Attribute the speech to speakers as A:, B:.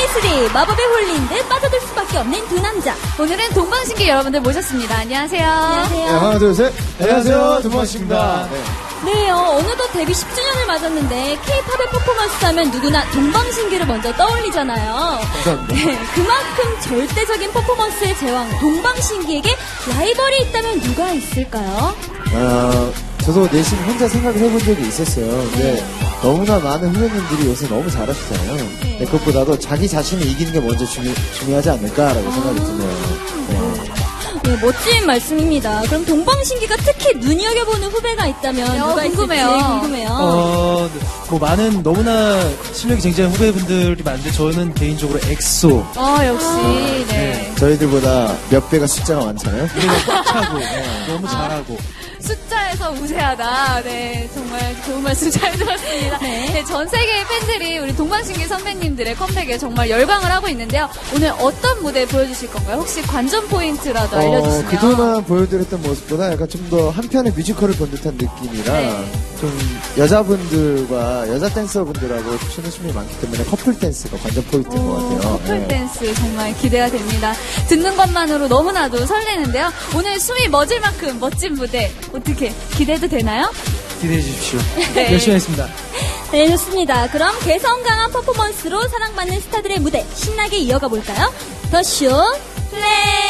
A: 시즌3 마법에 홀린 듯 빠져들 수밖에 없는 두 남자.
B: 오늘은 동방신기 여러분들 모셨습니다. 안녕하세요.
A: 안녕하세요.
C: 네, 하나, 둘, 셋. 안녕하세요. 동방신기입니다.
A: 네, 어느덧 데뷔 10주년을 맞았는데 K-팝의 퍼포먼스 하면 누구나 동방신기를 먼저 떠올리잖아요.
C: 감사합니다.
A: 네, 그만큼 절대적인 퍼포먼스의 제왕 동방신기에게 라이벌이 있다면 누가 있을까요?
C: 저도 내심 혼자 생각을 해본 적이 있었어요. 근데 너무나 많은 후배님들이 요새 너무 잘하시잖아요. 네, 그것보다도 자기 자신을 이기는 게 먼저 중요하지 않을까라고 생각이 드네요.
A: 네, 멋진 말씀입니다. 그럼 동방신기가 특히 눈여겨보는 후배가 있다면 누가
B: 궁금해요.
A: 있을지 궁금해요.
D: 뭐 많은 너무나 실력이 굉장한 후배분들이 많은데 저는 개인적으로 엑소.
B: 역시, 네.
C: 저희들보다 몇 배가 숫자가 많잖아요.
D: 노래가 꽉 차고 너무 잘하고.
B: 숫자에서 우세하다. 네, 정말 좋은 말씀 잘 들었습니다. 네, 전 세계의 팬들이 우리 동방신기 선배님들의 컴백에 정말 열광을 하고 있는데요. 오늘 어떤 무대 보여주실 건가요? 혹시 관전 포인트라도 알려주시면.
C: 그동안 보여드렸던 모습보다 약간 좀 더 한편의 뮤지컬을 본 듯한 느낌이라 좀 여자분들과 여자 댄서분들하고 추는 춤이 많기 때문에 커플 댄스가 관전 포인트인 것 같아요.
B: 커플 댄스 정말 기대가 됩니다. 듣는 것만으로 너무나도 설레는데요. 오늘 숨이 멎을 만큼 멋진 무대 어떻게 기대도 되나요?
D: 기대해 주십시오.
B: 네.
D: 열심히 하겠습니다.
A: 네, 좋습니다. 그럼 개성 강한 퍼포먼스로 사랑받는 스타들의 무대 신나게 이어가 볼까요? 더 쇼 플레이!